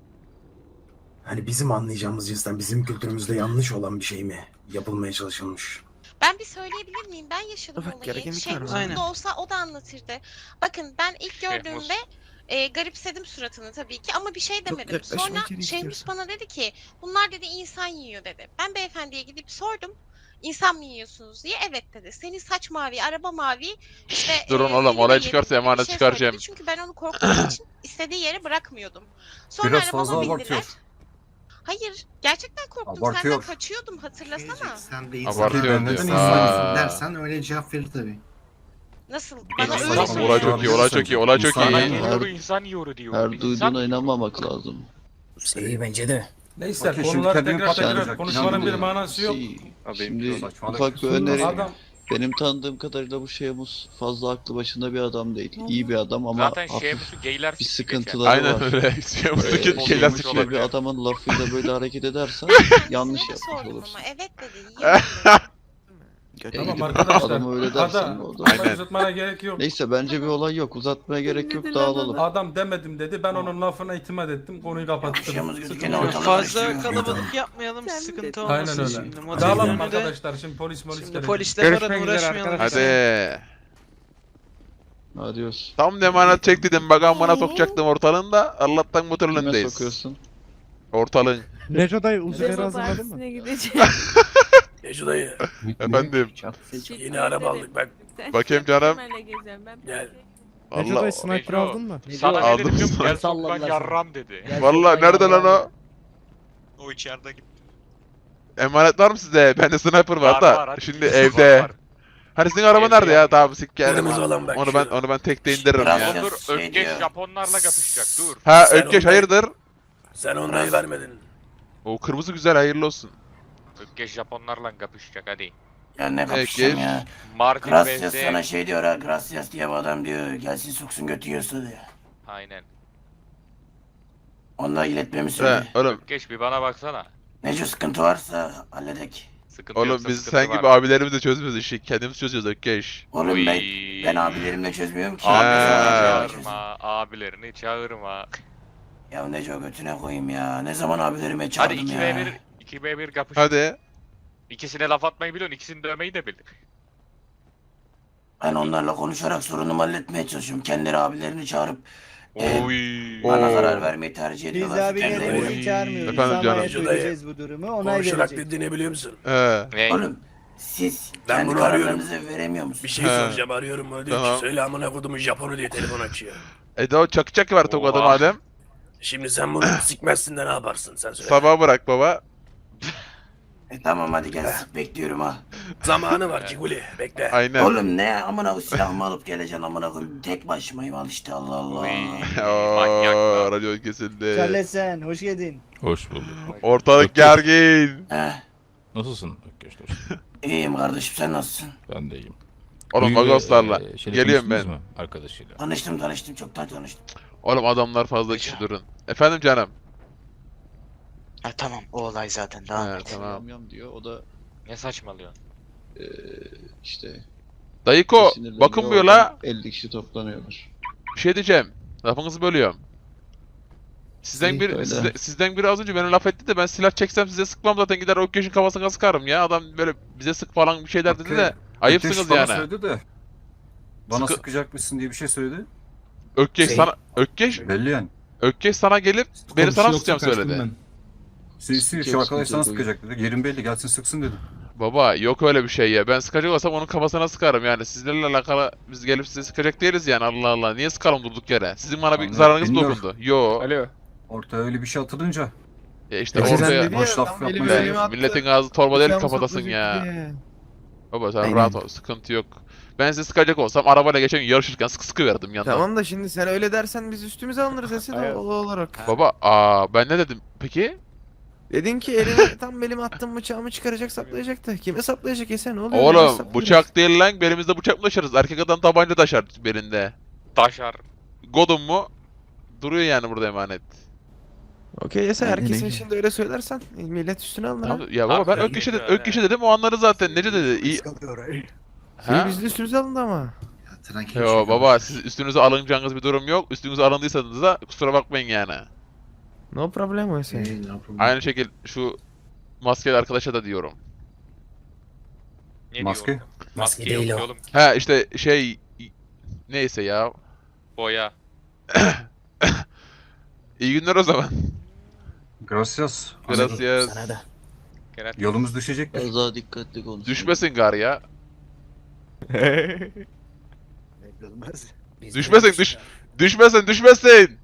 [SPEAKER 6] hani bizim anlayacağımız cinsten bizim kültürümüzde yanlış olan bir şey mi yapılmaya çalışılmış?
[SPEAKER 7] Ben bir söyleyebilir miyim? Ben yaşadım
[SPEAKER 3] Evet,
[SPEAKER 7] olayı.
[SPEAKER 3] gerekenlik
[SPEAKER 7] Şey
[SPEAKER 3] var.
[SPEAKER 7] mutlu
[SPEAKER 3] Aynen.
[SPEAKER 7] olsa o da anlatırdı. Bakın ben ilk
[SPEAKER 2] Şey,
[SPEAKER 7] gördüğümde e, garipsedim suratını tabii ki ama bir şey demedim.
[SPEAKER 3] yaklaşma
[SPEAKER 7] Sonra
[SPEAKER 3] içeri
[SPEAKER 7] Şehmus
[SPEAKER 3] istiyorsan.
[SPEAKER 7] bana dedi ki bunlar dedi insan yiyor dedi. Ben beyefendiye gidip sordum. İnsan mı yiyorsunuz diye evet dedi. Senin saç mavi, araba mavi işte
[SPEAKER 1] Durun
[SPEAKER 7] e,
[SPEAKER 1] oğlum,
[SPEAKER 7] eliyle
[SPEAKER 1] olay
[SPEAKER 7] yedim
[SPEAKER 1] çıkarsa
[SPEAKER 7] gibi bir
[SPEAKER 1] emanet
[SPEAKER 7] şey
[SPEAKER 1] çıkaracağım.
[SPEAKER 7] söyledi. Çünkü ben onu korktuğum için istediği yere bırakmıyordum. Sonra
[SPEAKER 4] Biraz
[SPEAKER 7] arabama
[SPEAKER 4] fazla
[SPEAKER 7] bindiler.
[SPEAKER 4] abartıyor.
[SPEAKER 7] Hayır, gerçekten korktum.
[SPEAKER 4] Abartıyor.
[SPEAKER 7] Senden kaçıyordum hatırlasana.
[SPEAKER 11] Sen de
[SPEAKER 1] Abartıyor
[SPEAKER 4] Neden
[SPEAKER 1] diyor.
[SPEAKER 4] insan
[SPEAKER 1] Aa.
[SPEAKER 11] dersen öyle cevap verir tabii.
[SPEAKER 7] Nasıl?
[SPEAKER 2] Bana
[SPEAKER 7] Bana
[SPEAKER 2] öyle
[SPEAKER 7] öyle
[SPEAKER 2] söyledi.
[SPEAKER 1] Olay
[SPEAKER 7] söyledi.
[SPEAKER 1] çok iyi olay çok iyi olay çok
[SPEAKER 4] İnsan-
[SPEAKER 2] İnsan
[SPEAKER 1] iyi.
[SPEAKER 2] yiyor, insan yiyor diyor.
[SPEAKER 9] Her
[SPEAKER 2] İnsan
[SPEAKER 9] duyduğuna
[SPEAKER 2] yiyor.
[SPEAKER 9] inanmamak lazım.
[SPEAKER 6] İyi bence de.
[SPEAKER 8] Neyse
[SPEAKER 4] Okey, şimdi
[SPEAKER 8] konular
[SPEAKER 4] kendini
[SPEAKER 8] tekrar tekrar
[SPEAKER 4] patlatacak.
[SPEAKER 8] konuşmanın bir
[SPEAKER 9] Şimdi-
[SPEAKER 8] manası yok.
[SPEAKER 9] Şey,
[SPEAKER 4] Abi,
[SPEAKER 9] Şimdi
[SPEAKER 4] saçmalık.
[SPEAKER 9] ufak bir
[SPEAKER 4] Şimdi
[SPEAKER 9] öneri.
[SPEAKER 8] Adam
[SPEAKER 9] benim tanıdığım kadarıyla bu Şemus fazla aklı başında bir adam değil. İyi bir adam ama
[SPEAKER 2] Zaten
[SPEAKER 9] hafif
[SPEAKER 2] Şemus'u geyler
[SPEAKER 9] bir
[SPEAKER 2] sikti
[SPEAKER 9] sıkıntıları
[SPEAKER 1] Aynen
[SPEAKER 9] var.
[SPEAKER 1] öyle.
[SPEAKER 2] Ee,
[SPEAKER 1] Şeyimizdeki
[SPEAKER 2] bozulmuş
[SPEAKER 1] şeyler
[SPEAKER 2] olabilir.
[SPEAKER 1] sıkıyor.
[SPEAKER 9] bir adamın lafıyla böyle hareket edersen yanlış
[SPEAKER 7] Kendisine de
[SPEAKER 9] yapmış
[SPEAKER 7] sordum
[SPEAKER 9] olursun.
[SPEAKER 7] ama evet dedi. Yiyorum dedi.
[SPEAKER 9] E,
[SPEAKER 8] Tamam
[SPEAKER 9] gidip
[SPEAKER 8] arkadaşlar.
[SPEAKER 9] adama öyle dersen
[SPEAKER 8] Ada,
[SPEAKER 9] o da-
[SPEAKER 8] olay
[SPEAKER 1] Aynen.
[SPEAKER 8] uzatmana gerek yok.
[SPEAKER 9] Neyse bence bir olay yok. Uzatmaya gerek yok. Dağılalım.
[SPEAKER 8] Adam demedim dedi. Ben onun lafına itimat ettim. Konuyu kapattım.
[SPEAKER 11] Şemuz gözükene
[SPEAKER 8] Sıkıntı yok.
[SPEAKER 11] ortalık
[SPEAKER 3] Fazla
[SPEAKER 11] karıştırıyor.
[SPEAKER 3] kalabalık yapmayalım, sıkıntı olmasın
[SPEAKER 8] Aynen öyle.
[SPEAKER 3] şimdi.
[SPEAKER 8] Dağılalım
[SPEAKER 3] Motelin önünde-
[SPEAKER 8] arkadaşlar. Şimdi polis polis
[SPEAKER 3] Şimdi
[SPEAKER 8] gelecek.
[SPEAKER 3] polisle falan uğraşmayalım.
[SPEAKER 1] Hadi.
[SPEAKER 9] Adios.
[SPEAKER 1] Tam da emanet çektiydim. Bak amına sokacaktım ortalığın da. Allah'tan motorun
[SPEAKER 9] Kime
[SPEAKER 1] önündeyiz.
[SPEAKER 9] sokuyorsun?
[SPEAKER 1] Ortalığın.
[SPEAKER 10] Neco dayı Uzber'i hazırladın mı?
[SPEAKER 5] Neco dayı.
[SPEAKER 1] Efendim.
[SPEAKER 5] Yeni araba aldık bak.
[SPEAKER 1] Bakayım canım.
[SPEAKER 5] Gel.
[SPEAKER 1] Allah.
[SPEAKER 2] sniper aldın
[SPEAKER 10] mı?
[SPEAKER 2] Sana ne
[SPEAKER 1] Aldım
[SPEAKER 2] dedim biliyor musun?
[SPEAKER 1] sana.
[SPEAKER 2] Gel sok lan
[SPEAKER 5] Salladılar
[SPEAKER 2] yarram dedi.
[SPEAKER 5] Gel
[SPEAKER 1] Vallahi
[SPEAKER 5] şuradan
[SPEAKER 1] nerede lan
[SPEAKER 5] yavrum.
[SPEAKER 1] o?
[SPEAKER 2] O içeride gitti.
[SPEAKER 1] Emanet var mı size? Bende sniper var
[SPEAKER 2] Var,
[SPEAKER 1] da.
[SPEAKER 2] var, hadi
[SPEAKER 1] Şimdi
[SPEAKER 2] gidelim.
[SPEAKER 1] evde.
[SPEAKER 2] Var, var.
[SPEAKER 1] Hani sizin araba
[SPEAKER 2] Evde
[SPEAKER 1] nerede ya?
[SPEAKER 2] yani.
[SPEAKER 1] Tamam sik geldim.
[SPEAKER 5] Kırmızı olan bak
[SPEAKER 1] Onu ben
[SPEAKER 5] şu.
[SPEAKER 1] onu ben tekte indiririm
[SPEAKER 11] Biraz
[SPEAKER 1] ya.
[SPEAKER 11] ya.
[SPEAKER 2] Dur
[SPEAKER 11] Şey
[SPEAKER 2] Ökkeş
[SPEAKER 11] diyor.
[SPEAKER 2] Japonlarla kapışacak dur.
[SPEAKER 1] Ha
[SPEAKER 5] Sen
[SPEAKER 1] Ökkeş
[SPEAKER 5] onu-
[SPEAKER 1] hayırdır?
[SPEAKER 5] Sen onayı vermedin.
[SPEAKER 1] O kırmızı güzel hayırlı olsun.
[SPEAKER 2] Ökkeş Japonlarla kapışacak hadi.
[SPEAKER 11] Ya ne
[SPEAKER 1] Peki.
[SPEAKER 11] kapışacağım ya.
[SPEAKER 2] Martin
[SPEAKER 11] Gracias
[SPEAKER 2] vs.
[SPEAKER 11] sana şey diyor ha. Gracias diye bir adam diyor. Gelsin soksun götü yiyorsa diyor.
[SPEAKER 2] Aynen.
[SPEAKER 11] Onunla iletmemi
[SPEAKER 1] He,
[SPEAKER 11] söyle.
[SPEAKER 1] oğlum
[SPEAKER 2] Ökkeş bir bana baksana.
[SPEAKER 11] Nece sıkıntı varsa halledek.
[SPEAKER 2] Sıkıntı
[SPEAKER 1] oğlum
[SPEAKER 2] yoksa
[SPEAKER 1] biz
[SPEAKER 2] sıkıntı
[SPEAKER 1] sen
[SPEAKER 2] var.
[SPEAKER 1] gibi abilerimizle çözmüyoruz işi. Kendimiz çözüyoruz Ökkeş.
[SPEAKER 11] Oğlum
[SPEAKER 2] Oy.
[SPEAKER 11] ben, ben abilerimle çözmüyorum ki.
[SPEAKER 1] Ha.
[SPEAKER 2] Abilerini
[SPEAKER 11] Çözüm.
[SPEAKER 2] çağırma, abilerini çağırma.
[SPEAKER 11] Ya Neco götüne koyayım ya. Ne zaman abilerime
[SPEAKER 2] Hadi
[SPEAKER 11] çağırdım
[SPEAKER 2] iki
[SPEAKER 11] ya.
[SPEAKER 2] ve bir, iki ve bir kapış.
[SPEAKER 1] Hadi.
[SPEAKER 2] İkisine laf atmayı biliyorsun, ikisini dövmeyi de bil.
[SPEAKER 11] Ben onlarla konuşarak sorunumu halletmeye çalışıyorum. Kendileri abilerini çağırıp e,
[SPEAKER 2] Oy.
[SPEAKER 11] bana
[SPEAKER 1] Oo.
[SPEAKER 11] zarar vermeyi tercih
[SPEAKER 5] Biz
[SPEAKER 11] ediyorlar.
[SPEAKER 5] abilerimizi çağırmıyoruz.
[SPEAKER 1] Efendim canım.
[SPEAKER 5] Zamaya söyleyeceğiz bu durumu. Onay
[SPEAKER 12] Konuşarak
[SPEAKER 5] verecek.
[SPEAKER 12] dediğini biliyor musun?
[SPEAKER 1] He.
[SPEAKER 2] Ne?
[SPEAKER 11] Oğlum siz
[SPEAKER 12] Ben
[SPEAKER 11] kendi
[SPEAKER 12] bunu
[SPEAKER 11] kararlarınızı veremiyor musunuz?
[SPEAKER 12] Bir şey
[SPEAKER 1] He.
[SPEAKER 12] soracağım arıyorum onu diyor
[SPEAKER 1] Tamam.
[SPEAKER 12] ki söyle amına kodumun Japonu diye telefon açıyor.
[SPEAKER 1] E de o çakı çakı var tokadı
[SPEAKER 2] Oha.
[SPEAKER 1] madem.
[SPEAKER 12] Şimdi sen bunu sikmezsin de ne yaparsın sen söyle.
[SPEAKER 1] Sabah bırak baba.
[SPEAKER 11] E tamam hadi gel sık bekliyorum ha.
[SPEAKER 12] Zamanı var Ciguli bekle.
[SPEAKER 1] Aynen.
[SPEAKER 11] Oğlum ne amına koyayım silahımı alıp geleceksin amına koyayım. Tek başımayım al işte Allah Allah.
[SPEAKER 2] Oy.
[SPEAKER 1] Oo,
[SPEAKER 2] Manyak lan.
[SPEAKER 1] radyo kesildi.
[SPEAKER 5] Charles sen hoş geldin.
[SPEAKER 13] Hoş bulduk.
[SPEAKER 1] Ortalık gergin.
[SPEAKER 11] He.
[SPEAKER 13] Nasılsın Ökkeş dostum?
[SPEAKER 11] İyiyim kardeşim sen nasılsın?
[SPEAKER 13] Ben de iyiyim.
[SPEAKER 1] Oğlum
[SPEAKER 13] Bugün,
[SPEAKER 1] Magoslarla.
[SPEAKER 13] eee, şeyle
[SPEAKER 1] Geliyorum ben.
[SPEAKER 13] konuştunuz mu arkadaşıyla?
[SPEAKER 11] Tanıştım tanıştım çoktan tanıştım.
[SPEAKER 1] Oğlum adamlar fazla kişi durun. Efendim canım.
[SPEAKER 10] Ha, tamam o olay zaten
[SPEAKER 1] He,
[SPEAKER 10] devam et.
[SPEAKER 1] tamam.
[SPEAKER 9] Yam yam diyor. O da
[SPEAKER 2] Ne saçmalıyorsun?
[SPEAKER 9] eee işte
[SPEAKER 1] Dayıko
[SPEAKER 9] sinirleniyor,
[SPEAKER 1] bakın bu
[SPEAKER 9] oradan
[SPEAKER 1] yola.
[SPEAKER 9] elli kişi toplanıyorlar.
[SPEAKER 1] Bir şey diyeceğim. Lafınızı bölüyorum. Sizden
[SPEAKER 9] İyi,
[SPEAKER 1] bir
[SPEAKER 9] öyle.
[SPEAKER 1] sizde- sizden biri az önce beni laf etti de ben silah çeksem size sıkmam zaten gider Ökkeş'in kafasına sıkarım ya. Adam böyle bize sık falan bir şeyler dedi de ayıpsınız
[SPEAKER 4] Ökkeş bana
[SPEAKER 1] yani.
[SPEAKER 4] söyledi de. Bana
[SPEAKER 1] Sıkı-
[SPEAKER 4] sıkacakmışsın diye bir şey söyledi.
[SPEAKER 1] Ökkeş
[SPEAKER 11] Şey-
[SPEAKER 1] sana Ökkeş
[SPEAKER 4] Belli yani.
[SPEAKER 1] Ökkeş sana gelip beni sana sıkacağım söyledi.
[SPEAKER 4] Sisi
[SPEAKER 9] Çok
[SPEAKER 4] şu arkadaş sana
[SPEAKER 9] sıkıntı
[SPEAKER 4] sıkacak dedi. Yerin belli gelsin sıksın dedi.
[SPEAKER 1] Baba yok öyle bir şey ya. Ben sıkacak olsam onun kafasına sıkarım yani. Sizlerle alakalı biz gelip size sıkacak değiliz yani. Allah Allah. Niye sıkalım durduk yere? Sizin bana bir
[SPEAKER 4] Anladım,
[SPEAKER 1] zararınız mı
[SPEAKER 4] bilmiyorum.
[SPEAKER 1] dokundu? Yo.
[SPEAKER 10] Alo.
[SPEAKER 4] Ortaya öyle bir şey atılınca.
[SPEAKER 1] Ya işte
[SPEAKER 10] Ece sen
[SPEAKER 1] ortaya
[SPEAKER 10] dedi ya,
[SPEAKER 4] boş laf
[SPEAKER 10] adam elimi
[SPEAKER 4] yapmayın.
[SPEAKER 10] elime attı.
[SPEAKER 1] milletin ağzı torba değil
[SPEAKER 10] Bıçağımı
[SPEAKER 1] kafatasın
[SPEAKER 10] saplayacak
[SPEAKER 1] ya.
[SPEAKER 10] diye.
[SPEAKER 1] Baba sen
[SPEAKER 10] Aynen.
[SPEAKER 1] rahat ol. Sıkıntı yok. Ben size sıkacak olsam arabayla geçen gün yarışırken sıkı sıkı verdim yandan.
[SPEAKER 10] Tamam da şimdi sen öyle dersen biz üstümüze alınırız Esin
[SPEAKER 12] Hayır.
[SPEAKER 10] doğal olarak.
[SPEAKER 1] Baba aa ben ne dedim peki?
[SPEAKER 10] Dedin ki elime tam elime attım bıçağımı çıkaracak saplayacak da. Kime saplayacak Esen ne oluyor? Nasıl
[SPEAKER 1] Oğlum
[SPEAKER 10] saplayacak?
[SPEAKER 1] bıçak değil lan. Belimizde bıçak mı taşırız? Erkek adam tabanca taşır belinde.
[SPEAKER 2] Taşar.
[SPEAKER 1] Godum mu? Duruyor yani burada emanet.
[SPEAKER 10] Okey Esen
[SPEAKER 9] Aynen
[SPEAKER 10] herkesin
[SPEAKER 9] öyle.
[SPEAKER 10] şimdi öyle söylersen millet üstüne alınır. ha.
[SPEAKER 1] Tamam, ya baba ben
[SPEAKER 2] Aferin
[SPEAKER 1] ök kişi, de,
[SPEAKER 2] ya.
[SPEAKER 1] ök kişi dedim o anları zaten. Nece dedi? İyi.
[SPEAKER 10] İyi,
[SPEAKER 1] Ha?
[SPEAKER 10] biz de üstümüze alındı ama.
[SPEAKER 1] Yo baba siz üstünüze alınacağınız bir durum yok. Üstünüze alındıysanız da kusura bakmayın yani.
[SPEAKER 10] No problem o Esen.
[SPEAKER 1] Aynı şekil şu maskeli arkadaşa da diyorum.
[SPEAKER 2] Ne
[SPEAKER 4] Maske?
[SPEAKER 2] diyor? Maske yok
[SPEAKER 11] değil o.
[SPEAKER 2] oğlum.
[SPEAKER 1] Ha işte şey neyse ya.
[SPEAKER 2] Boya.
[SPEAKER 1] İyi günler o zaman.
[SPEAKER 4] Gracias.
[SPEAKER 1] Gracias.
[SPEAKER 11] Sana da.
[SPEAKER 2] Gerek.
[SPEAKER 4] Yolumuz düşecek.
[SPEAKER 9] Biraz daha dikkatli konuş.
[SPEAKER 1] Düşmesin gar ya.
[SPEAKER 5] Belli olmaz.
[SPEAKER 1] Düşmesin düş. Düşmesin düşmesin.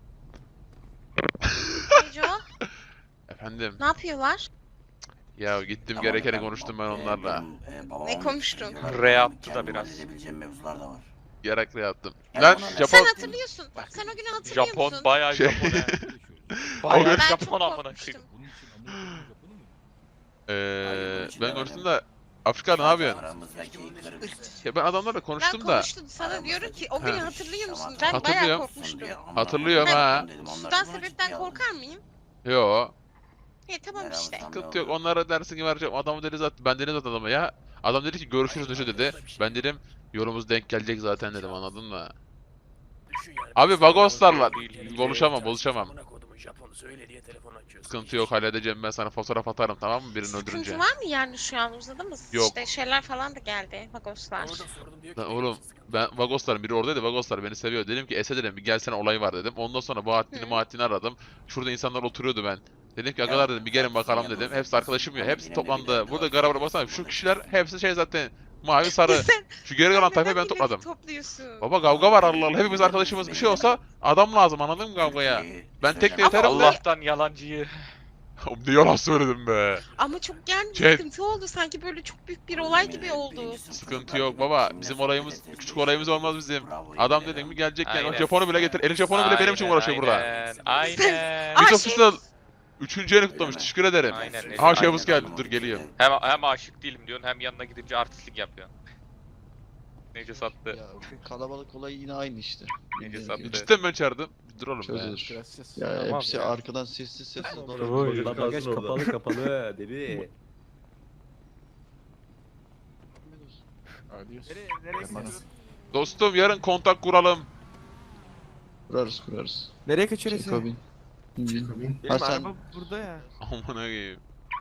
[SPEAKER 7] Neco,
[SPEAKER 1] Efendim.
[SPEAKER 7] ne yapıyorlar?
[SPEAKER 1] Ya gittim
[SPEAKER 11] Tamam,
[SPEAKER 1] gerekeni
[SPEAKER 11] ben-
[SPEAKER 1] konuştum ben
[SPEAKER 11] e,
[SPEAKER 1] onlarla.
[SPEAKER 11] benim, e, babamın
[SPEAKER 7] Ne konuştun?
[SPEAKER 11] videoları
[SPEAKER 2] R
[SPEAKER 11] var.
[SPEAKER 2] yaptı da
[SPEAKER 11] Kendim
[SPEAKER 2] biraz.
[SPEAKER 11] halledebileceğim mevzular da var.
[SPEAKER 1] Gerekli yaptım.
[SPEAKER 11] Ya
[SPEAKER 1] Lan
[SPEAKER 11] ona-
[SPEAKER 1] Japon
[SPEAKER 7] Sen hatırlıyorsun.
[SPEAKER 11] Bak.
[SPEAKER 7] Sen o günü hatırlıyor
[SPEAKER 2] Japon
[SPEAKER 7] musun?
[SPEAKER 2] bayağı
[SPEAKER 1] Şey-
[SPEAKER 2] Japon he.
[SPEAKER 1] O
[SPEAKER 2] Bayağı
[SPEAKER 1] gün-
[SPEAKER 7] Ben
[SPEAKER 2] Japon
[SPEAKER 7] çok
[SPEAKER 2] amına
[SPEAKER 7] korkmuştum.
[SPEAKER 2] koyayım.
[SPEAKER 1] Eee
[SPEAKER 11] Hayır,
[SPEAKER 1] ben
[SPEAKER 11] konuşmalar
[SPEAKER 1] konuştum da Afrika ne yapıyorsun?
[SPEAKER 11] Aramızdaki ilkleri
[SPEAKER 1] Ya ben adamlarla
[SPEAKER 7] Ben
[SPEAKER 1] konuştum da.
[SPEAKER 7] konuştum sana diyorum ki o günü
[SPEAKER 1] Ha.
[SPEAKER 7] hatırlıyor musun? Ben bayağı
[SPEAKER 1] Hatırlıyorum.
[SPEAKER 7] korkmuştum.
[SPEAKER 1] Hatırlıyorum ha.
[SPEAKER 7] Sudan sebepten korkar mıyım?
[SPEAKER 1] Yo.
[SPEAKER 7] E tamam işte.
[SPEAKER 1] Sıkıntı yok. Onlara dersin ki vereceğim. Adamı deniz at. Ben deniz at adama ya. Adam dedi ki görüşürüz Neşe dedi. Ben dedim yolumuz denk gelecek zaten dedim, anladın mı? Abi Vagoslarla buluşamam buluşamam. Sıkıntı yok, halledeceğim, ben sana fotoğraf atarım, tamam mı, birini öldürünce.
[SPEAKER 7] Sıkıntı var mı yani şu an uzadı mı?
[SPEAKER 1] Yok.
[SPEAKER 7] İşte şeyler falan da geldi. Vagoslar.
[SPEAKER 1] Lan oğlum ben Vagosların biri oradaydı, Vagoslar beni seviyor. Dedim ki Ese dedim bir gelsene, olay var dedim. Ondan sonra Bahattin'i
[SPEAKER 7] Hı.
[SPEAKER 1] Mahattin'i aradım. Şurada insanlar oturuyordu ben. Dedim ki agalar dedim bir gelin bakalım dedim. Hepsi arkadaşım ya, hepsi toplandı. Burada garabara baksana, şu kişiler hepsi şey zaten mavi sarı.
[SPEAKER 7] Sen
[SPEAKER 1] Şu geri kalan tayfayı ben
[SPEAKER 7] milleti
[SPEAKER 1] topladım.
[SPEAKER 7] topluyorsun.
[SPEAKER 1] Baba kavga var Allah Allah, hepimiz arkadaşımız, bir şey olsa adam lazım, anladın mı kavgaya? Ben tek de
[SPEAKER 7] Ama
[SPEAKER 1] yeterim de.
[SPEAKER 2] Allah'tan yalancıyı.
[SPEAKER 1] Ne yalan söyledim be.
[SPEAKER 7] Ama çok yani
[SPEAKER 1] Chat.
[SPEAKER 7] sıkıntı oldu. Sanki böyle çok büyük bir olay gibi oldu.
[SPEAKER 1] Sıkıntı yok baba. Bizim olayımız, küçük olayımız olmaz bizim. Adam dedim mi gelecek yani. O
[SPEAKER 2] Aynen.
[SPEAKER 1] Japon'u bile getir. Elin Japon'u bile benim için
[SPEAKER 2] Aynen,
[SPEAKER 1] uğraşıyor burada.
[SPEAKER 2] Aynen. Aynen.
[SPEAKER 7] Aa,
[SPEAKER 1] Hiç
[SPEAKER 7] şey-
[SPEAKER 1] official. Üçüncü yeni kutlamış. Teşekkür ederim.
[SPEAKER 2] Aynen.
[SPEAKER 1] Aha
[SPEAKER 2] Aynen.
[SPEAKER 1] Şevuz geldi. Dur geliyor.
[SPEAKER 2] Hem, hem aşık değilim diyorsun hem yanına gidince artistlik yapıyorsun. Nece sattı.
[SPEAKER 9] Ya kalabalık olay yine aynı işte.
[SPEAKER 2] Nece
[SPEAKER 9] Bildiğin
[SPEAKER 2] sattı.
[SPEAKER 9] gibi.
[SPEAKER 1] Cidden ben çağırdım. Dur oğlum be.
[SPEAKER 9] Çözülür. Ya
[SPEAKER 2] Tamam
[SPEAKER 9] hepsi
[SPEAKER 2] ya.
[SPEAKER 9] arkadan sessiz sessiz.
[SPEAKER 12] Bagaj kapalı kapalı dedi.
[SPEAKER 1] Dostum yarın kontak kuralım.
[SPEAKER 9] Kurarız kurarız.
[SPEAKER 10] Nereye kaçıyorsun?
[SPEAKER 9] Çekobin.
[SPEAKER 10] Benim
[SPEAKER 9] Ha sen
[SPEAKER 10] araba burada ya.
[SPEAKER 1] Aman koyayım.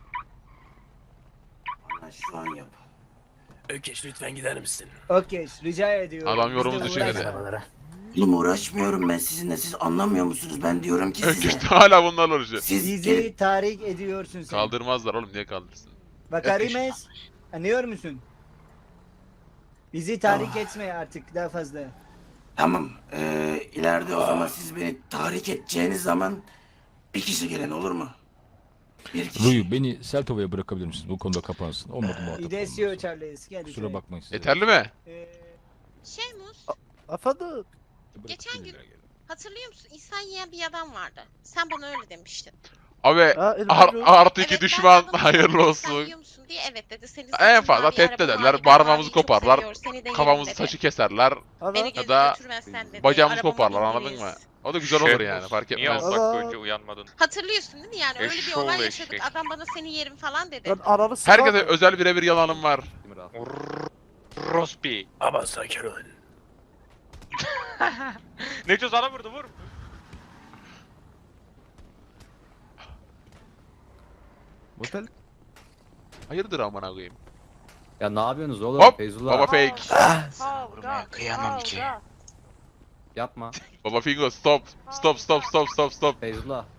[SPEAKER 11] Bana şu an yap.
[SPEAKER 12] Ökeş lütfen gider misin?
[SPEAKER 5] Okey, rica ediyorum.
[SPEAKER 1] Adam
[SPEAKER 5] Biz de
[SPEAKER 1] yorumunu düşünmedi.
[SPEAKER 5] uğraşmayalım.
[SPEAKER 11] Oğlum uğraşmıyorum ben sizinle. Siz anlamıyor musunuz? Ben diyorum ki size.
[SPEAKER 1] Öküz hala bunlarla uğraşıyor.
[SPEAKER 11] Siz gelin.
[SPEAKER 5] Bizi tahrik ediyorsun sen.
[SPEAKER 1] Kaldırmazlar oğlum, niye kaldırsın?
[SPEAKER 5] Bakarimes, anlıyor musun? Bizi tahrik etme artık daha fazla.
[SPEAKER 11] Tamam. Ee, ileride o zaman siz beni tahrik edeceğiniz zaman bir kişi gelen olur mu? Bir kişi.
[SPEAKER 13] Ruyu beni Seltova'ya bırakabilir misiniz? Bu konuda kapansın. Olmadı muhatap
[SPEAKER 5] İdesio
[SPEAKER 13] olmamız.
[SPEAKER 5] Charles, gel.
[SPEAKER 13] Kusura bakmayın size.
[SPEAKER 1] Yeterli mi?
[SPEAKER 5] Ee,
[SPEAKER 7] Şey Mus,
[SPEAKER 10] Afadı.
[SPEAKER 7] geçen gün hatırlıyor musun? İnsan yiyen bir adam vardı. Sen bana öyle demiştin.
[SPEAKER 1] Abi
[SPEAKER 10] Aa,
[SPEAKER 1] ar- artı
[SPEAKER 7] Evet,
[SPEAKER 1] iki
[SPEAKER 7] ben
[SPEAKER 1] düşman
[SPEAKER 7] sana dedim,
[SPEAKER 1] hayırlı
[SPEAKER 7] "İnsan
[SPEAKER 1] olsun.
[SPEAKER 7] yiyor musun?" diye evet dedi. Seni
[SPEAKER 1] En
[SPEAKER 7] saçın
[SPEAKER 1] fazla
[SPEAKER 7] mavi,
[SPEAKER 1] tehdit
[SPEAKER 7] araban
[SPEAKER 1] ederler,
[SPEAKER 7] mavi, ben
[SPEAKER 1] parmağımızı
[SPEAKER 7] maviyi çok
[SPEAKER 1] koparlar,
[SPEAKER 7] seviyorum, seni de yerim
[SPEAKER 1] Kafamızı
[SPEAKER 7] dedi.
[SPEAKER 1] saçı keserler
[SPEAKER 7] Beni
[SPEAKER 10] Hava.
[SPEAKER 7] gezip
[SPEAKER 1] da
[SPEAKER 7] götürmezsen dedi.
[SPEAKER 1] bacağımızı
[SPEAKER 7] arabama
[SPEAKER 1] koparlar, anladın
[SPEAKER 7] binmeyiz.
[SPEAKER 1] mı? O da güzel olur
[SPEAKER 2] Şevuz,
[SPEAKER 1] yani, fark
[SPEAKER 2] Niye
[SPEAKER 1] etmez.
[SPEAKER 2] on dakika
[SPEAKER 10] Allah.
[SPEAKER 2] önce uyanmadın?
[SPEAKER 7] Hatırlıyorsun değil mi yani? Öyle bir
[SPEAKER 2] Eşşoğlu
[SPEAKER 7] olay yaşadık.
[SPEAKER 2] eşek.
[SPEAKER 7] Adam bana seni yerim falan dedi.
[SPEAKER 10] Ben ananı
[SPEAKER 1] Herkese özel birebir yalanım var.
[SPEAKER 2] Rospi.
[SPEAKER 12] Ama sakin ol.
[SPEAKER 2] Neco sana vurdu, vur.
[SPEAKER 10] Motel.
[SPEAKER 1] Hayırdır amına koyayım.
[SPEAKER 12] Ya ne yapıyorsunuz oğlum?
[SPEAKER 1] Hop!
[SPEAKER 12] Feyzullah.
[SPEAKER 1] Baba fake.
[SPEAKER 7] Kavga,
[SPEAKER 11] Kıyamam ki.
[SPEAKER 12] Yapma.
[SPEAKER 1] Baba Fingo stop. Stop stop stop stop stop.
[SPEAKER 12] Feyzullah.